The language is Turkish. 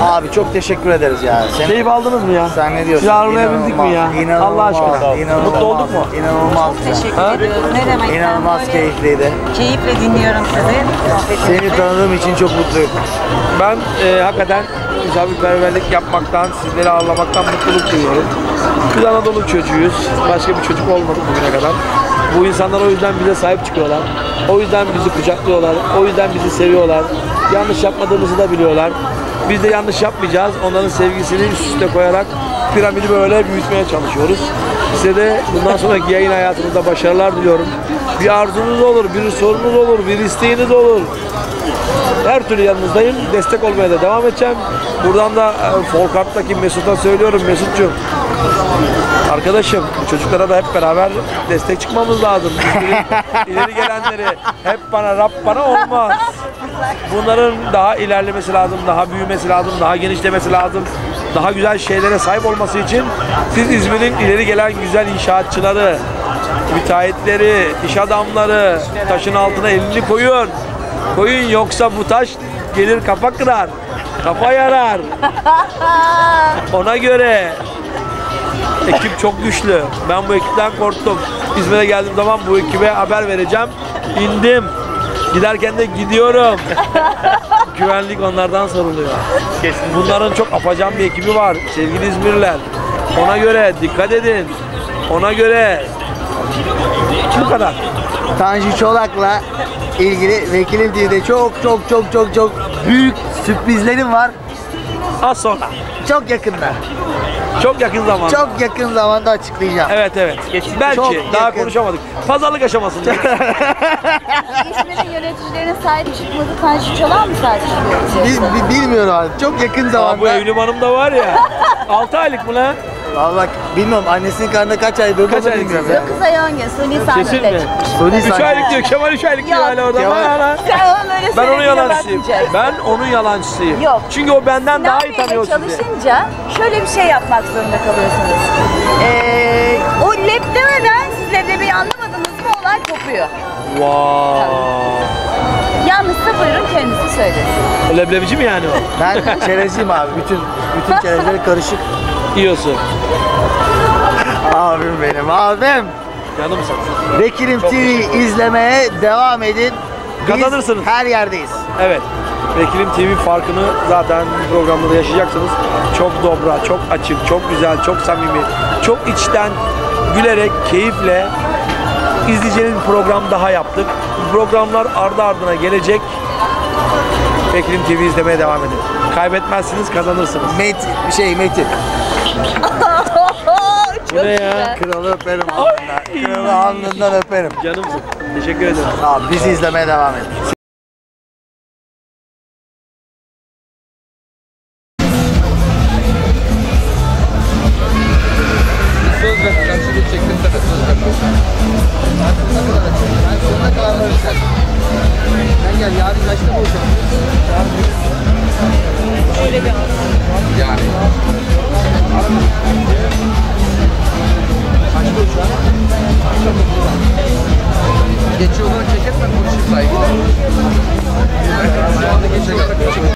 Abi çok teşekkür ederiz ya. Keyif aldınız mı ya? Sen ne diyorsun? Sizi ağırlayabildik mi ya? Allah aşkına. İnanılmaz. Mutlu olduk mu? İnanılmaz. Teşekkür ediyoruz. Ne demek? İnanılmaz Ben böyle keyifliydi. Keyifle dinliyorum sizi. Seni tanıdığım için çok mutluyum. Ben hakikaten misafirperverlik yapmaktan, sizleri ağırlamaktan mutluluk duyuyorum. Biz Anadolu çocuğuyuz. Başka bir çocuk olmadık bugüne kadar. Bu insanlar o yüzden bize sahip çıkıyorlar. O yüzden bizi kucaklıyorlar. O yüzden bizi seviyorlar. Yanlış yapmadığımızı da biliyorlar. Biz de yanlış yapmayacağız. Onların sevgisini üst üste koyarak piramidi böyle büyütmeye çalışıyoruz. Size de bundan sonraki yayın hayatınızda başarılar diliyorum. Bir arzunuz olur, bir sorunuz olur, bir isteğiniz olur. Her türlü yanınızdayım. Destek olmaya da devam edeceğim. Buradan da Folkart'taki Mesut'a söylüyorum. Mesut'cum, arkadaşım, bu çocuklara da hep beraber destek çıkmamız lazım. İleri gelenleri hep bana, Rab bana olmaz. Bunların daha ilerlemesi lazım, daha büyümesi lazım, daha genişlemesi lazım. Daha güzel şeylere sahip olması için siz İzmir'in ileri gelen güzel inşaatçıları, müteahhitleri, iş adamları taşın altına elini koyun. Koyun, yoksa bu taş gelir kafa kırar, kafa yarar. Ona göre ekip çok güçlü. Ben bu ekipten korktum. İzmir'e geldiğim zaman bu ekibe haber vereceğim. İndim. Giderken de gidiyorum. Güvenlik onlardan soruluyor. Bunların çok apacan bir ekibi var sevgili İzmirliler. Ona göre dikkat edin. Ona göre bu kadar. Tanju Çolak'la ilgili Vekilim TV'de çok büyük sürprizlerim var. Az sonra. Çok yakında. Çok yakın zamanda. Çok yakın zamanda açıklayacağım. Evet. Belki Çok daha yakın. konuşamadık. Pazarlık aşamasında. İzmir'in yöneticilerine sahip çıkmadı. Tanju Çolak mı sahip çıkıyor? Bilmiyorum abi. Çok yakın Aa, bu zamanda. Evlim Hanım da var ya. 6 aylık mı lan? Vallahi bilmiyorum annesinin karnında kaç ay durduğunu Kaç ay bilmiyorum kızı? ya. 9 ay 10 gün suni Kesin sahneyle mi? çıkmış. Suni 3 sahne. aylık diyor. Kemal 3 aylık diyor Yok, hala orada. Kemal. Hala. Sen onun öyle Ben onun söylediğine yalancısıyım. bakmayacaksın. Ben onun yalancısıyım. Yok. Çünkü o benden daha iyi Sinan tanıyor Bey'le sizi. çalışınca şöyle bir şey yapmak zorunda kalıyorsunuz. O lep demeden siz leblebiyi anlamadınız mı olay kopuyor. Vay. Yanlışsa buyurun kendisi söylesin. Leblebici mi yani o? Ben çerezciyim abi. Bütün çerezleri karışık. Yiyorsun. Abim benim abim. Canımsın. Vekilim Çok TV izlemeye devam edin. Biz Kazanırsınız. her yerdeyiz. Evet. Vekilim TV farkını zaten bu programda da yaşayacaksınız. Çok dobra, çok açık, çok güzel, çok samimi, çok içten gülerek, keyifle izleyeceğiniz bir program daha yaptık. Bu programlar ardı ardına gelecek. Vekilim TV izlemeye devam edin. Kaybetmezsiniz, kazanırsınız. Metin. Bu ne ya? Kralı öperim alnından. Kralı alnından öperim. Canımsın. Teşekkür ederim. Abi bizi izlemeye devam edin. Söz ver, karşılık çektim sana.